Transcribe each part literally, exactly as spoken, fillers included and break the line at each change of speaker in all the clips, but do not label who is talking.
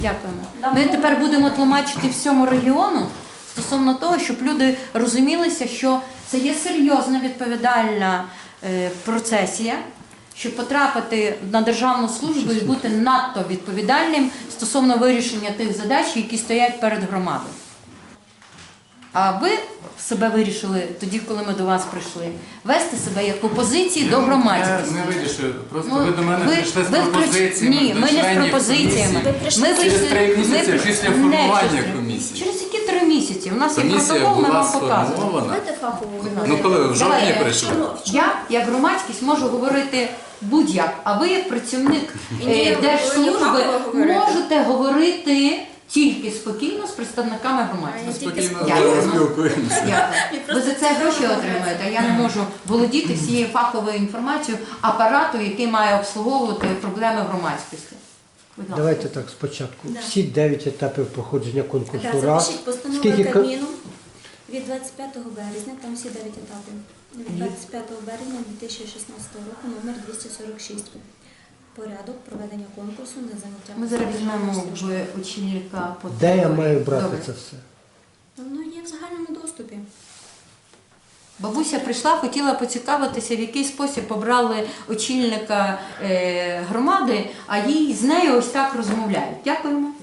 Дякуємо. Ми тепер будемо тлумачити всьому регіону стосовно того, щоб люди розумілися, що це є серйозна відповідальна е, процесія, щоб потрапити на державну службу і бути надто відповідальним стосовно вирішення тих задач, які стоять перед громадою. А ви себе вирішили тоді, коли ми до вас прийшли, вести себе як опозиції до громадськості.
Я не вирішив. Просто
Ну,
ви до мене
ви-
прийшли з
ви вклич-
пропозиціями.
Ні,
до
ми не з
членів
пропозиціями.
комісії.
Ми
Через
вийшли-
три місяці
ми-
після
не
формування
через-
комісії.
Через які три місяці? У нас є
Комісія
протокол, ми
була
вам показуємо.
сформована.
Давайте фахово.
Ну коли ви в жовтні
Давайте.
прийшли?
Я, як громадськість, можу говорити будь-як, а ви, як працівник
Ні,
е,
ви
держслужби,
повинні фахово говорити.
можете говорити тільки спокійно з представниками громадськості.
Тільки
Спокійно
Дякую.
спілкуємося.
Дякую. Ви за це гроші отримуєте, а я не можу володіти всією фаховою інформацією апарату, який має обслуговувати проблеми громадськості. Будь ласка.
Давайте так спочатку.
Да.
Всі дев'ять етапів проходження конкурсу.
Так,
Раз.
запишіть постанову
Скільки ка-
Кабміну від двадцять п'ятого березня, там всі дев'ять етапів. Від двадцять п'ятого березня дві тисячі шістнадцятого року номер двісті сорок шість. Порядок проведення конкурсу на заняття.
Ми зараз
посади
візьмемо
державної служби.
в очільника по
Де я
території.
маю брати
Добре.
це все?
Воно є в загальному доступі.
Бабуся прийшла, хотіла поцікавитися, в який спосіб обрали очільника е, громади, а їй з нею ось так розмовляють. Дякуємо.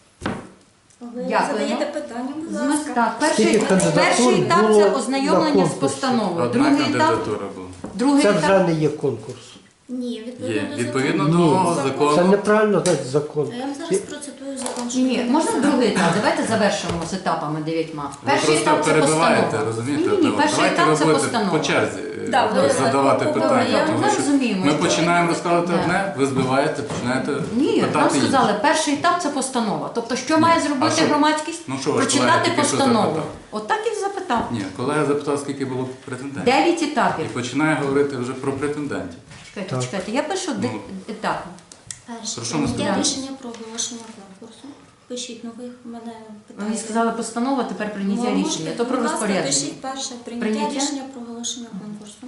Ви
Дякуємо.
задаєте питання, будь
З
ласка.
мис- Так, перший,
Скільки кандидатур
перший етап
було
це
на
ознайомлення з
конкурсі?
постановою.
Одна
Другий етап,
кандидатура була.
другий
Це вже
етап.
не є конкурс.
Ні, відповідно
Є.
до
Відповідно
закону.
до мого
Це
закону.
неправильно значить закон.
Я вам зараз процитую закон. що
Ні,
ви
можна
написали.
другий етап. Давайте завершимо з етапами дев'ятьма.
Ви
Перший
просто
етап це
перебиваєте,
постанова.
розумієте?
Ні, ні,
Давайте
перший
ви
етап це
будете
постанова.
по черзі е,
Да, ви-
задавати
Добре,
питання.
я-
тому
ми
що
розуміємо,
Ми
що-
починаємо розказувати
Да.
одне, ви збиваєте, починаєте
Ні, нам
питати інше.
сказали, перший етап це постанова. Тобто, що має
А
зробити
що?
громадськість?
Ну, що ваш колега
Прочитати
тільки що
постанову.
запитав?
Отак і запитав.
Ні, колега запитав, скільки було претендентів.
Дев'ять
І
етапів.
починає говорити вже про претендентів.
Чекайте,
Так.
чекайте, я пишу де-
Ну.
етапи.
Перше,
Про що ми
прийняття
скажемо?
рішення про оголошення конкурсу. Пишіть нових мене
Ви
питання.
мені сказали постанова, тепер прийняття
Ви
рішення.
можете,
То про
будь ласка,
розпорядження.
Пишіть перше прийняття,
Прийняття?
рішення про оголошення конкурсу.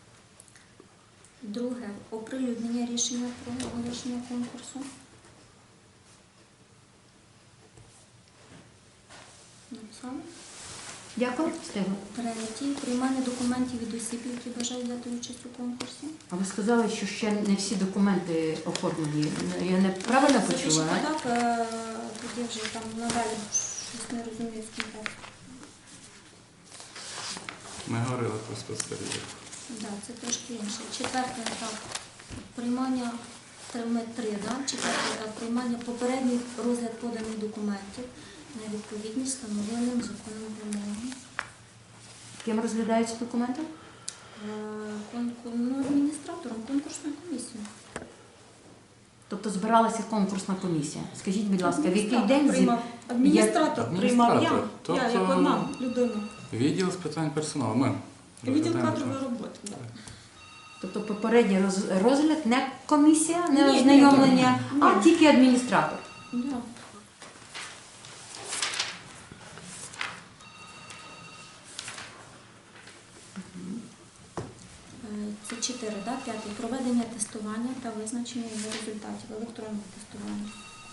Друге оприлюднення рішення про оголошення конкурсу. Написали?
Дякую. Встигла.
Третє приймання документів від осіб, які бажають взяти участь у конкурсі.
А ви сказали, що ще не всі документи оформлені. Я неправильно
Запишіть
почула? а?
так, е, тоді вже там надалі щось не розумію, з ким так.
Ми говорили про спецперевірку.
Да, це трошки інше. Четвертий етап приймання три, ми три, да? Четвертий етап приймання попередній розгляд поданих документів на відповідність встановленим законом вимогам.
Ким розглядаються документи?
Е, конкур- ну, адміністратором конкурсної комісії.
Тобто збиралася конкурсна комісія. Скажіть, будь ласка, в який день зі-
приймав. Адміністратор
Як-
приймав я,
Адміністратор.
я
Тобто-
як одна людина.
Відділ з питань персоналу. Ми.
Відділ
розглядаємо
кадрової
це.
роботи. Да.
Тобто попередній роз- розгляд не комісія, не
Ні, ні,
ознайомлення,
ні.
а тільки адміністратор.
Да. Е, Це чотири, да? П'ятий. Проведення тестування та визначення його результатів. Електронне тестування.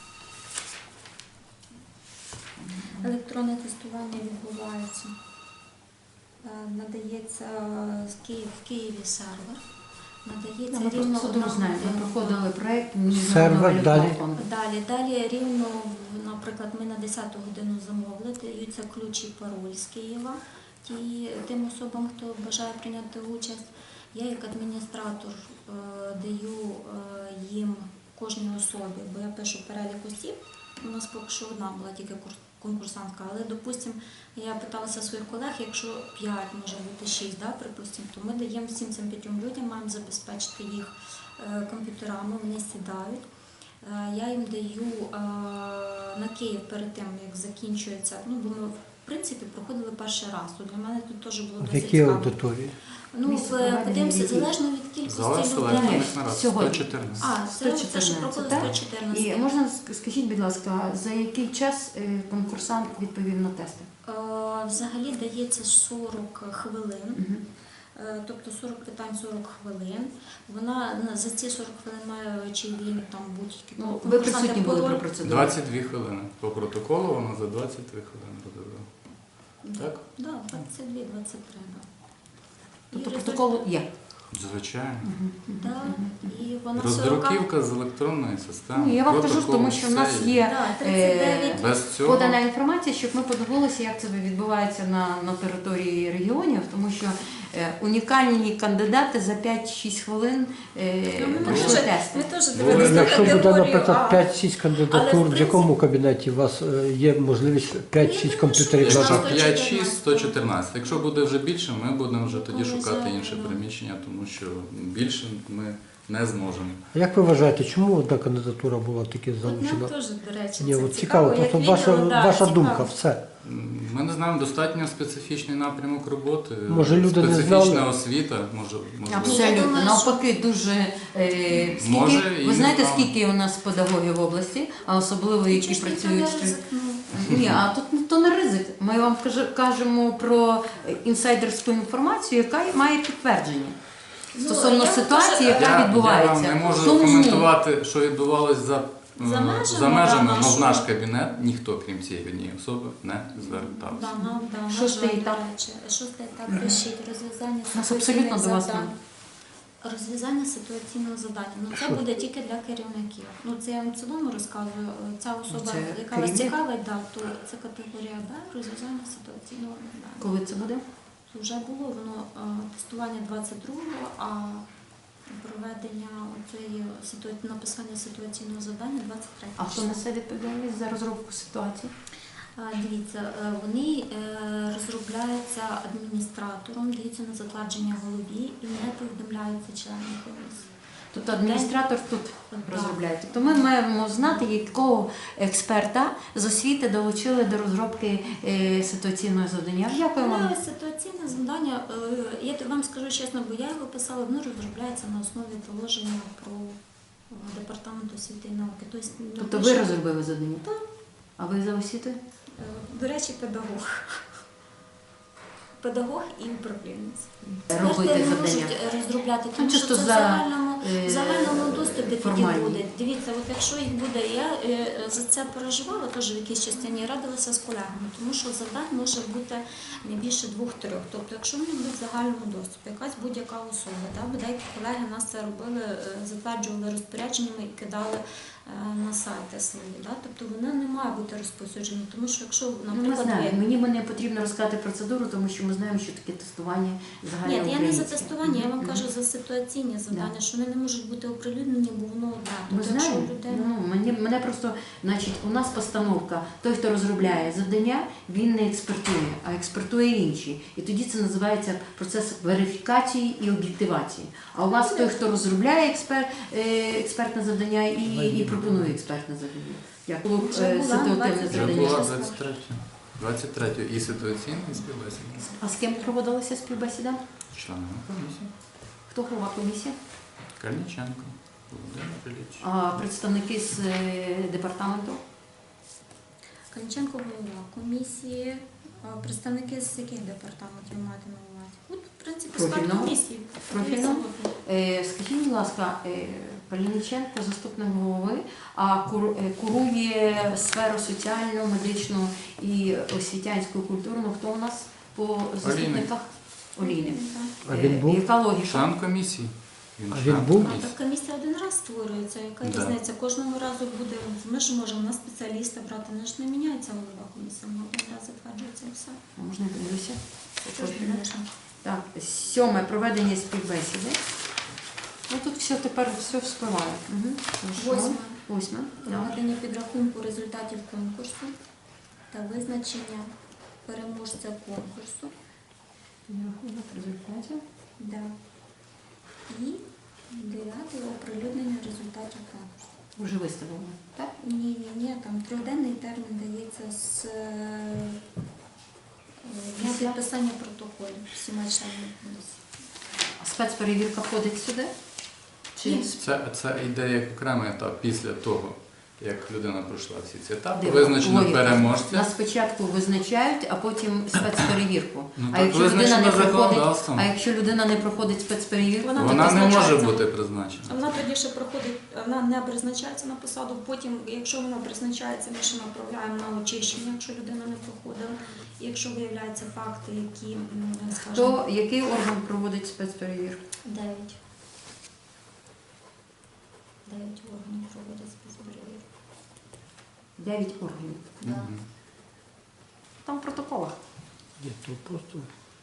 Електронне тестування відбувається. е, Надається з Київ, в Києві сервер. Надається
Ми
рівно
просто судом
одна
знаємо, ми
година.
проходили проєкт
Сервер,
міжнародного
далі.
фонду.
Далі, далі рівно, наприклад, ми на десяту годину замовили, даються ключ і пароль з Києва ті, тим особам, хто бажає прийняти участь. Я як адміністратор е, даю е, їм кожній особі, бо я пишу перелік осіб, у нас поки що одна була тільки курс- конкурсантка, але, допустимо, я питалася своїх колег, якщо п'ять, може бути шість, да, припустимо, то ми даємо всім цим п'ятьом людям, маємо забезпечити їх е, комп'ютерами, вони сідають. Е, Я їм даю е, на Київ перед тим, як закінчується, ну, бо ми, в принципі, проходили перший раз, то для мене тут теж було
В
досить
якій
цікаво.
аудиторії?
Ну,
Місце
в-
проведення
подивимося,
яких?
залежно від кількості
Залежно
людей.
Ні,
на раз.
сьогодні.
сто чотирнадцять.
А, це, це що
сто
проходить
чотирнадцять,
сто
так?
чотирнадцять.
І можна ск- скажіть, будь ласка, за який час е, конкурсант відповів на тести?
Е, Взагалі дається сорок хвилин.
Мгм.
Е, Тобто сорок питань, сорок хвилин. Вона на- за ці сорок хвилин має чи вільник там будь-які.
Ну,
тобто
ви
конкурсанти
присутні були
по-
при процедурі.
двадцять дві хвилини. По протоколу вона за двадцять три хвилини розробила. Так?
Да, двадцять дві - двадцять три, да.
Тобто
І
протокол є.
Звичайно.
Да, і вона
Роздруківка з електронної системи.
Ну, я вам кажу,
протокол,
тому що в нас
все
є
Да, тридцять дев'ять.
е,
Без цього
подана інформація, щоб ми подивилися, як це відбувається на, на території регіонів, тому що е, унікальні кандидати за п'ять-шість хвилин е,
Ну, ми
пройшли
теж-
тести.
Ми теж
Бо
дивилися на
Якщо буде,
категорію
наприклад,
А.
п'ять-шість
Але,
кандидатур,
в
в якому
принципі-
кабінеті у вас е, є можливість п'ять-шість
Я думаю,
комп'ютерів
що
Якщо
надати?
можна.
п'ять шість, сто чотирнадцять. Якщо буде вже більше, ми будемо вже тоді
Коли
шукати
за-
інше
ну.
приміщення, тому що більше ми не зможемо.
А як ви вважаєте, чому одна кандидатура була таки
От нам
залучена?
теж, до речі,
Ні,
це
от цікаво,
як
просто
відео,
ваша,
да,
ваша
цікаво.
думка, все.
М, Ми не знаємо, достатньо специфічний напрямок роботи,
Може, люди не
специфічна
знали?
освіта, може, можливо.
Абсолютно.
Я думаю,
Навпаки, дуже е, скільки,
Може, і
ви знаєте,
не
скільки у нас педагогів в області, а особливо які
Чи ж ніхто
працюють.
не
що-
ризикнув?
Ні, а тут ну, то не ризик. Ми вам каже- кажемо про інсайдерську інформацію, яка має підтвердження
Ну,
стосовно
я
ситуації,
теж-
яка
Я,
відбувається.
я вам не можу
Тому
коментувати, що відбувалося за,
За
е,
межами,
за межами,
да,
але в
нашого.
наш кабінет ніхто, крім цієї однієї особи, не звертався.
Да, нам, да, на
Шостий
жаль,
етап.
до речі. Шостий етап пишіть розв'язання
Нас
ситуаційних
абсолютно до вас
завдань. Розв'язання ситуаційного завдання. Ну це
Що?
буде тільки для керівників. Ну це я вам в цілому розказую. Ця особа,
Це
яка вас
керівник?
цікавить, да, то це категорія Б, розв'язання ситуаційного завдання.
Коли це буде?
Вже було воно е, тестування двадцять другого, а проведення цієї ситуа- написання ситуаційного завдання двадцять третього.
А хто несе відповідальність за розробку ситуації?
А, Дивіться, е, вони е, розробляються адміністратором, даються на затвердження голові і не повідомляються членам комісії.
Тобто адміністратор тут
Так.
розробляє. Тобто ми маємо знати, якого експерта з освіти долучили до розробки е, ситуаційного завдання. Дякую вам.
Але ситуаційне завдання, е, я вам скажу чесно, бо я його писала, воно розробляється на основі положення про е, департамент освіти і науки. Тобто,
Тобто
напише-
ви розробили завдання?
Так.
А ви за освітою?
Е, До речі, педагог. Педагог і управлінець.
Робити
Кожен не
завдання.
можуть розробляти, тому
Ну,
що
чисто
це в
за,
загальному,
е,
в загальному доступі тоді
формальні.
буде. Дивіться, от якщо їх буде, я е, за це переживала теж в якійсь частині, радилася з колегами, тому що завдань може бути не більше двох-трьох. Тобто, якщо вони будуть в загальному доступі, якась будь-яка особа, да, бо деякі колеги нас це робили, е, затверджували розпорядженнями і кидали е, на сайти свої. Да? Тобто вона не має бути розповсюджена, тому що якщо,
Ну, ми
наприклад,
знаємо.
ви-
Мені не потрібно розказати процедуру, тому що ми знаємо, що таке тестування
Ні,
загальноукраїнське.
я не за тестування, я вам
Мгм.
кажу за ситуаційні завдання,
Да.
що вони не можуть бути оприлюднені, бо воно одне.
Ми
Тобто, якщо
знаємо.
людина...
Ну, мені, мене просто, значить, у нас постановка, той, хто розробляє завдання, він не експертує, а експертує інші. І тоді це називається процес верифікації і об'єктивації. А у вас той, хто розробляє експер, е, експертне завдання і, і пропонує експертне завдання. Як було
Вже
е,
була,
ситуативне
двадцять
Вже
завдання.
була
числа.
двадцять третього. двадцять третього і ситуаційна, і співбесіда.
А з ким проводилася співбесіда?
Членами комісії.
Хто голова комісії?
Кальниченко, Володимир Ілліч.
А представники з е, департаменту?
Канченко голова комісії, а представники з яких департаментів ви маєте на увазі? От, в принципі, склад
Профільного?
комісії.
Профільного?
Абсолютно.
Е, Скажіть, будь ласка, е, Палініченко, заступник голови, а кур- е, курує сферу соціальну, медичну і освітянську культурну. Хто у нас по заступниках? Олійник.
А він
Е,
був?
Яка логіка?
Член комісії.
А
член
він був?
А
комісії.
так комісія один раз створюється, яка
Да.
різниця? Кожного разу буде, ми ж можемо на спеціаліста брати, не ж не міняється голова комісії, вона один раз затверджується і все.
А можна я подивлюся?
Що ж не можна?
Так, сьоме проведення співбесіди. Ну тут все тепер все вспливає. Угу.
Восьме.
Восьме. Так.
Проведення підрахунку результатів конкурсу та визначення переможця конкурсу.
Підрахунок результатів.
Да. І дев'яте оприлюднення результатів конкурсу.
Вже виставлено. Так?
Ні, ні, ні, там трьохденний термін дається з е, дня
Після?
підписання протоколів всіма членами комісії.
А спецперевірка входить сюди? Чи
Ні.
Це, це йде як окремий етап після того, як людина пройшла всі ці етапи,
Диво,
визначено
логіка.
переможця.
Нас спочатку визначають, а потім спецперевірку.
Ну,
а
так
якщо людина не
визначено
проходить,
законодавством.
а якщо людина не проходить спецперевірку,
Вона
Вона не може
призначається.
бути призначена.
Вона тоді ще проходить, вона не призначається на посаду. Потім, якщо вона призначається, ми ще направляємо на очищення, якщо людина не проходила. І якщо виявляються факти, які, м, скажімо,
то який орган проводить спецперевірку?
дев'ять. Дев'ять органів проводять спецперевірку.
Дев'ять органів.
Да.
Мгм.
Там в протоколах.
Ні, то просто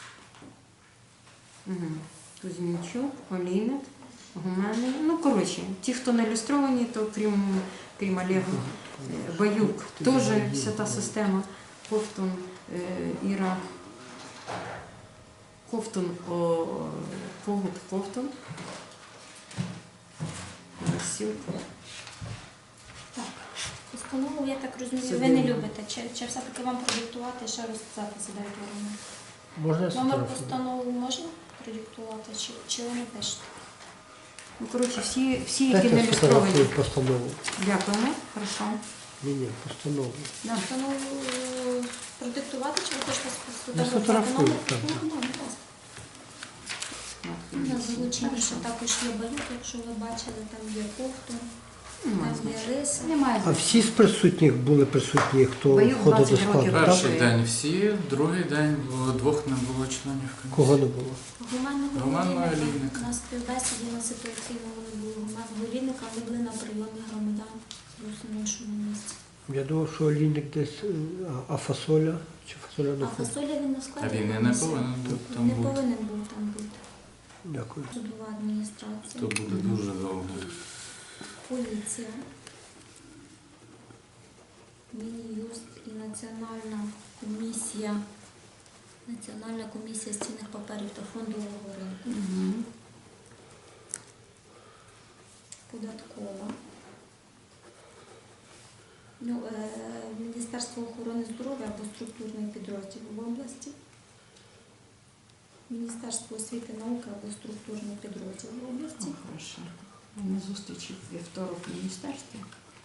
Угу. Кузьмінчук, Олійник, Гуменний. Ну, коротше, ті, хто не ілюстровані, то крім, крім Олега, е, Баюк, теж вся та система. Ковтун, е, Іра, Ковтун, о, Когут, Ковтун. Сілка.
Так. Постанову, я так розумію,
Це
ви не
дивно.
любите. Чи, чи все-таки вам продиктувати і ще розписати за дев'ять органів?
можна я
Номер
сфотографую?
постанови можна продиктувати, чи, чи ви не пишете?
Ну, коротше, всі, всі які
Дайте
не
я
ілюстровані.
сфотографую постанову.
Дякуємо. Хорошо.
Ні, ні, постанову.
Да.
Постанову е, продиктувати, чи ви хочете
Я сфотографую, так.
Ну, будь ласка. На залученні ще також є Баюк, якщо ви бачили, там є Ковтун,
Немає
там є
значення.
Риса.
Немає
А
значення.
всі з присутніх були присутні, хто
Баюк
входить до
двадцять
складу,
років.
так?
Перший
Так.
день всі, другий день було двох не було членів комісії.
Кого не було?
Гуманного
Гуманного
олійника.
олійника.
На співбесіді на ситуаційному не було гуманного олійника, вони були на прийомі громадян зовсім в іншому місці.
Я думав, що олійник десь, е, а- а фасоля? Чи фасоля не
А
ходить?
фасоля він не
А
складає.
він і не повинен був там
Не
бути.
повинен був там бути.
Дякую.
Судова адміністрація,
То буде дуже довго.
поліція, Мін'юст і Національна комісія, Національна комісія з цінних паперів та фондового ринку,
Мгм.
податкова, ну, е, Міністерство охорони здоров'я або структурний підрозділ в області, Міністерство освіти і науки або структурний підрозділ в області.
О, хорошо. На зустрічі в вівторок в міністерстві.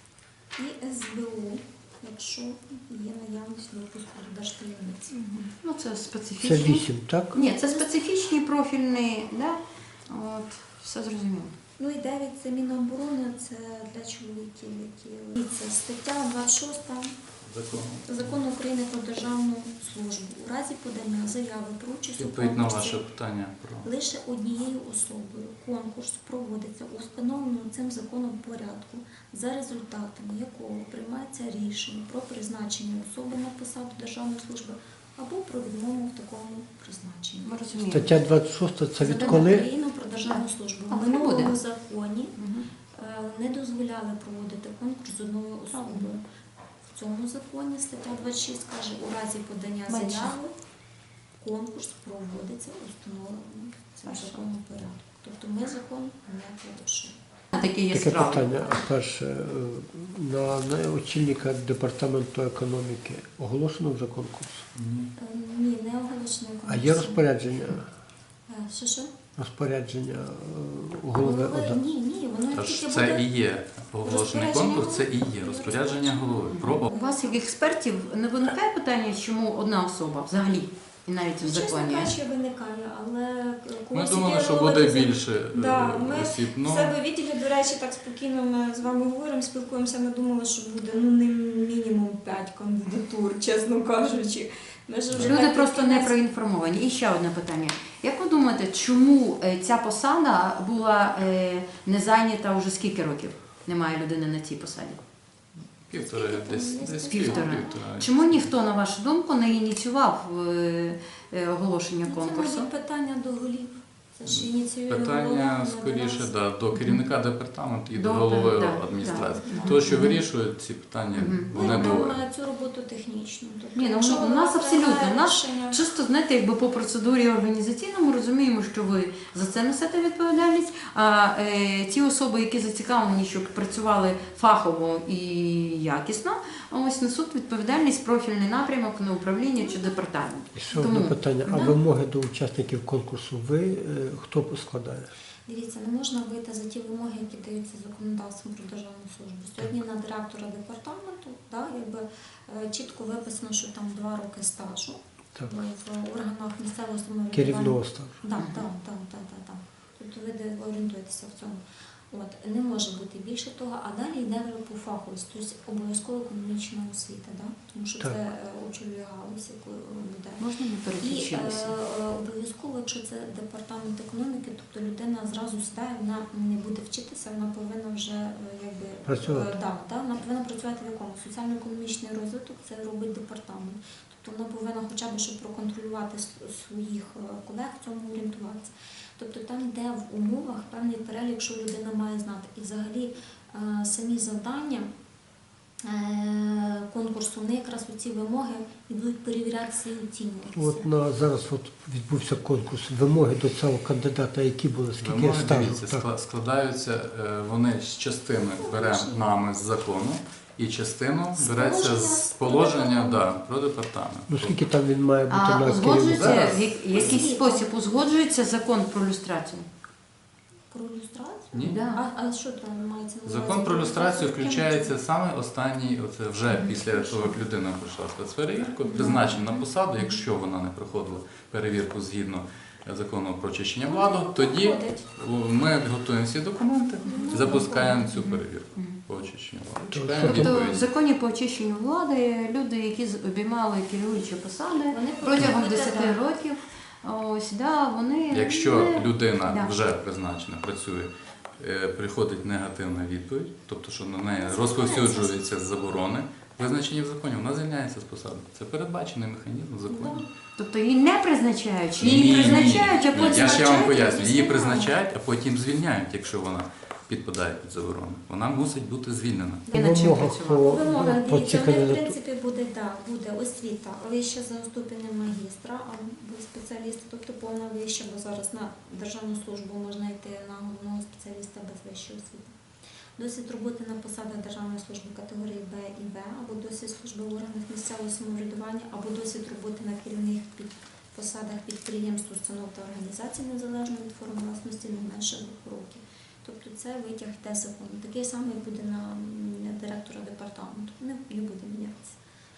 І ес бе у, якщо є наявність допуску до держтаємниці.
Ну, це
Це
специфічні.
вісім, так?
Ні, це специфічні профільні, да? От, все зрозуміло.
Ну і дев'ять це Міноборони, це для чоловіків, які це стаття двадцять шоста
Законом.
Закону України про державну службу. У разі подання заяви про участь у
Відповідь на ваше
конкурсі
питання про
лише однією особою конкурс проводиться у встановленому цим законом порядку, за результатами якого приймається рішення про призначення особи на посаду державної служби або про відмову в такому призначенні.
Ми розуміємо.
Стаття двадцять шість це
Закон
відколи?
України про державну службу.
Але
В
не буде.
минулому законі
Мгм.
е, не дозволяли проводити конкурс з одною особою. В цьому законі стаття двадцять шість каже, у разі подання
Менше.
заяви конкурс проводиться у встановленому цим
Хорошо.
законом порядку. Тобто ми закон не порушуємо.
Таке є
Таке
справа.
питання. Перше, е, на, на очільника департаменту економіки оголошено вже конкурс.
ні.
Е, Ні, не оголошено
А
конкурс.
є розпорядження,
Е, Що що?
розпорядження е, голови
Голови?
ОДА?
Ні, ні, воно
Тож
тільки
це
буде.
і є оголошений
Розпорядження
конкурс, це і
голови.
є розпорядження голови. Про
У вас, як експертів, не виникає питання, чому одна особа взагалі, і навіть в
Ну, чесно
законі?
кажучи, виникає, але
ми
когось
думали, що
ідеалувати
буде
за-
більше е,
Да, ми
осіб.
В
Ну,
себе відділі, до речі, так спокійно ми з вами говоримо, спілкуємося. Ми думали, що буде ну не мінімум п'ять кандидатур, чесно кажучи. Ми ж вже
Люди
так
просто
під
не
кінець-
проінформовані. І ще одне питання. Як ви думаєте, чому е, ця посада була е, не зайнята вже скільки років? Немає людини на цій посаді?
півтори, десь, десь
Півтора.
півтора.
Чому ніхто, на вашу думку, не ініціював е, е, оголошення
Ну, Це
конкурсу?
мабуть питання до голів. Це ж ініціює голова,
Питання
не
скоріше
до нас.
да, до керівника департаменту і до
До-
голови
да,
адміністрації.
да.
Того, що вирішують ці питання,
Мгм.
Ми
вони
робимо
двоє.
цю роботу технічно. Тобто,
Ні, ну,
якщо
у
голова
нас абсолютно,
приймає
у нас
рішення-
Чисто, знаєте, якби по процедурі організаційній ми розуміємо, що ви за це несете відповідальність, а е, ті особи, які зацікавлені, щоб працювали фахово і якісно, ось несуть відповідальність профільний напрямок на управління чи департамент.
І ще одне
Тому,
питання. А
да.
вимоги до учасників конкурсу ви е, хто складає?
Дивіться, не можна вийти за ті вимоги, які даються законодавством про державну службу. Сьогодні на директора департаменту, да, якби, е, чітко виписано, що там два роки стажу
Так.
в органах місцевого самоврядування.
Керівного стажу.
Так, так, так, так, так, так. Тобто ви де- ви орієнтуєтеся в цьому. От, не може бути більше того, а далі йде вже по фаховості, тобто обов'язково економічна освіта, да? Тому що
Так.
це е, очолює галузь, яку буде.
Можна не
І е,
переключилися?
е, обов'язково, якщо це департамент економіки, тобто людина зразу сідає, вона не буде вчитися, вона повинна вже е, якби
Працювати.
е, да, да, вона повинна працювати в якому? Соціально-економічний розвиток це робить департамент. Тобто вона повинна хоча б, щоб проконтролювати с- своїх е, колег, в цьому орієнтуватися. Тобто там йде в умовах певний перелік, що людина має знати. І взагалі е, самі завдання е, конкурсу, вони якраз ці вимоги і будуть перевірятися і оцінюватися.
От на зараз от відбувся конкурс. Вимоги до цього кандидата, які були, скільки
Вимоги,
стажу?
дивіться,
Так.
скла- складаються, е, вони з частини беремо нами з закону, і частину
З
береться
положення
з
про
положення
департамент.
да, про департамент.
Ну скільки там він має бути
А
на
узгоджується,
Зараз.
в як- якийсь спосіб узгоджується закон про люстрацію?
Про люстрацію?
Ні.
Да.
А, а що там мається на увазі?
Закон про люстрацію
Яким
включається
чином?
саме останній, оце вже після того, як людина пройшла спецперевірку, призначена на посаду, якщо вона не проходила перевірку згідно закону про очищення влади, тоді
Проходить.
ми готуємо всі документи і запускаємо цю перевірку по очищенню влади. Чекаємо
Тобто в
відповідь.
законі по очищенню влади люди, які з- обіймали керуючі посади
Вони
протягом
повинні бути,
десяти
да.
років, ось, да, вони
Якщо
не-
людина
Да.
вже призначена, працює, е, приходить негативна відповідь, тобто що на неї розповсюджуються заборони, визначені в законі, вона звільняється з посади. Це передбачений механізм в законі.
Тобто її не призначають, чи
Ні,
її
ні,
призначають, а
ні.
потім
Я ще вам
врачують і
поясню, її
знімають.
призначають, а потім звільняють, якщо вона підпадає під заборону. Вона мусить бути звільнена.
Я над чим
Вимогах
працювала.
по,
Вимога,
по
дивіться,
цій
вони, в
кандидатурі.
принципі, буде, да, буде освіта вища за ступенем магістра або спеціаліста, тобто повна вища, бо зараз на державну службу можна йти на головного спеціаліста без вищої освіти. Досвід роботи на посадах державної служби категорії Б і В, або досвід служби в органах місцевого самоврядування, або досвід роботи на керівних під посадах підприємств, установ та організацій незалежно від форм власності не менше двох років. Тобто це витяг йде закону. Такий самий буде на м, директора департаменту. Не, не буде мінятися.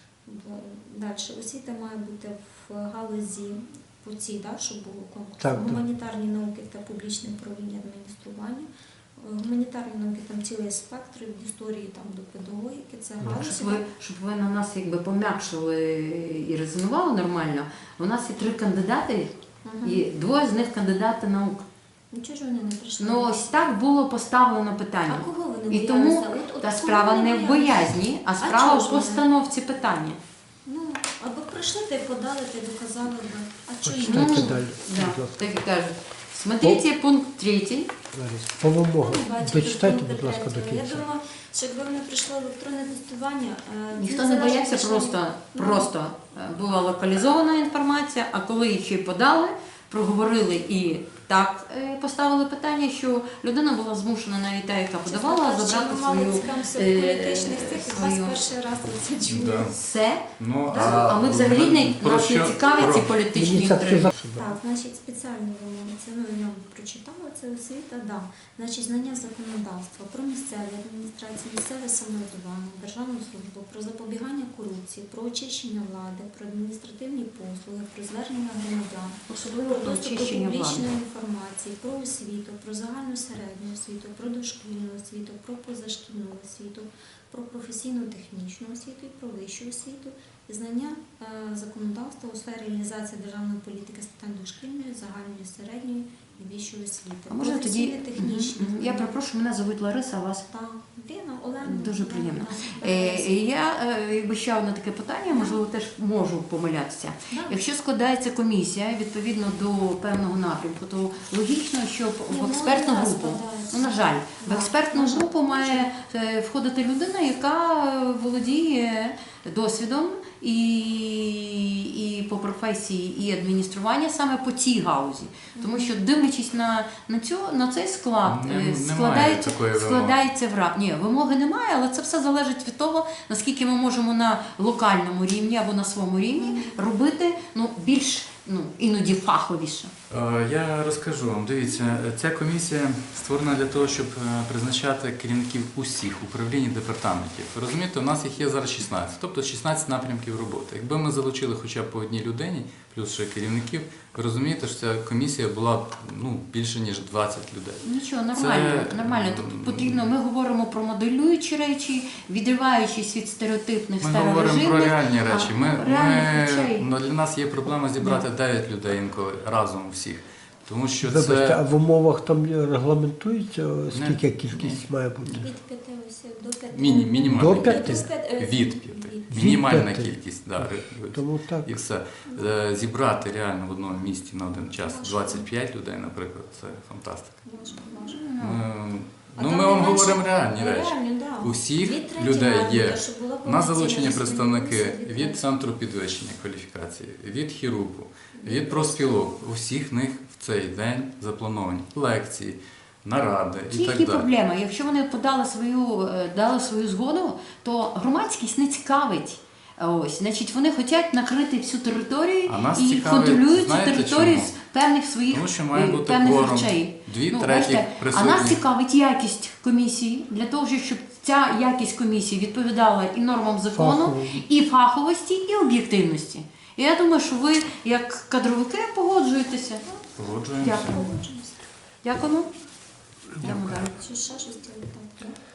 Далі. Освіта має бути в галузі по цій, да, щоб було конкурс.
Так, так.
Гуманітарні науки та публічне управління адміністрування. Е, Гуманітарні науки там цілий спектр від історії там, до педагогіки. Це галузі.
Щоб ви, щоб ви на нас якби пом'якшили і резонували нормально, у нас є три кандидати,
Мгм.
і двоє з них кандидати наук.
Нічого ж вони не прийшли.
Ну ось так було поставлено
А
питання.
кого вони
І
боялися?
тому
От- от
та
кого
справа
вони
не в
боялися?
боязні, а
А
справа
чого
в
ж вони?
постановці питання.
Ну, аби прийшли та й подали, та й доказали би. А чого їм?
Почитайте
Ну,
далі,
Да,
будь ласка.
так і кажуть. Смотрите пункт третій.
Лариса, по вимогам.
Ну, бачите,
Дочитайте,
пункти
будь ласка, до
третього. Я
кінця.
думаю, що якби вони прийшли електронне тестування, е,
Ніхто
це
не
залежить
боявся,
лише-
просто,
Ну,
просто е, була локалізована інформація, а коли її ще й подали, проговорили і так е, поставили питання, що людина була змушена, навіть та, яка
чесно
подавала,
кажучи,
забрати
ми мали
свою
цікавимося
е,
в політичних цих, і вас
свою-
перший раз це чую.
Да.
все.
Ну,
А ми взагалі не
про
нас не
що-
цікавить ці
про-
політичні
Мені це
інтриги.
все
Так, значить, спеціальні вимоги. Це ну, я вам прочитала, це освіта, да. Значить, знання законодавства про місцеві адміністрації, місцеве самоврядування, державну службу, про запобігання корупції, про очищення влади, про адміністративні послуги, про звернення громадян,
Особливо
про
про
доступ до
очищення влади.
публічної інформації, про освіту, про загальну середню освіту, про дошкільну освіту, про позашкільну освіту, про професійно-технічну освіту і про вищу освіту, і знання е, законодавства у сфері реалізації державної політики з питань дошкільної, загальної середньої і вищої освіти.
А може тоді
Професійно-технічні
Мгм, мгм. Я перепрошую, мене звуть Лариса, а вас
Так, Ліна, Олена.
дуже
да,
приємно.
да,
Е,
да.
Я е, якби ще одне таке питання, можливо, теж можу помилятися.
Да.
Якщо складається комісія відповідно до певного напрямку, то логічно, щоб
Ні,
в
ну,
експертну
не
групу,
складається.
ну на жаль, в
Да,
експертну
на жаль.
групу має е, входити людина, яка володіє досвідом і, і по професії, і адміністрування саме по цій гаузі. Тому що дивлячись на, на, цю, на цей склад,
Не-
е,
немає
складається,
такої вимоги.
складається вра... Ні, вимоги немає, але це все залежить від того, наскільки ми можемо на локальному рівні або на своєму рівні робити ну, більш ну, іноді фаховіше.
Е, Я розкажу вам. Дивіться, ця комісія створена для того, щоб е, призначати керівників усіх управлінь і департаментів. Ви розумієте, у нас їх є зараз шістнадцять, тобто шістнадцять напрямків роботи. Якби ми залучили хоча б по одній людині, плюс ще керівників, ви розумієте, що ця комісія була б ну, більше, ніж двадцять людей.
Нічого, нормально,
Це,
нормально. Тобто потрібно, ми говоримо про моделюючі речі, відриваючись від стереотипних
Ми говоримо про
старорежимних.
реальні
а,
речі. Ми,
реальних
ми,
речей.
ну, для нас є проблема зібрати дев'ять людей інколи разом всіх. Тому що
Вибачте, а
це...
в умовах там регламентується, скільки кількість має бути?
Від п'яти осіб до п'яти.
Міні, мінімальна
До
кількість.
п'яти?
До п'яти, е,
Від п'яти.
від.
Мінімальна
п'яти.
кількість, да, ри-
Тому так.
і все. Е, Зібрати реально в одному місті на один час двадцять п'ять людей, наприклад, це фантастика.
Може, може.
Ми,
А
ну,
там
ми
не
вам
менше-
говоримо реальні речі.
Реальні, да.
У всіх
Від третього
людей
радника,
є.
щоб була
У нас залучені
повноцінна
представники
дискримінація
від центру підвищення кваліфікації, від хірургу, від профспілок. У всіх них в цей день заплановані лекції, наради і
Тільки
так далі.
проблема. Якщо вони подали свою, е, дали свою згоду, то громадськість не цікавить. Ось, значить, вони хочуть накрити всю територію
А нас
і
цікавить,
контролюють цю
знаєте
територію
чому?
з певних своїх
Тому що має
е,
бути
певних
кворум,
речей.
дві
Ну,
треті
бачите, а
присутні.
нас цікавить якість комісії для того, щоб ця якість комісії відповідала і нормам закону,
Фахово.
і фаховості, і об'єктивності. І я думаю, що ви, як кадровики, погоджуєтеся.
Погоджуємося.
Дякую. Дякуємо. Йдемо далі.
Чи ще щось?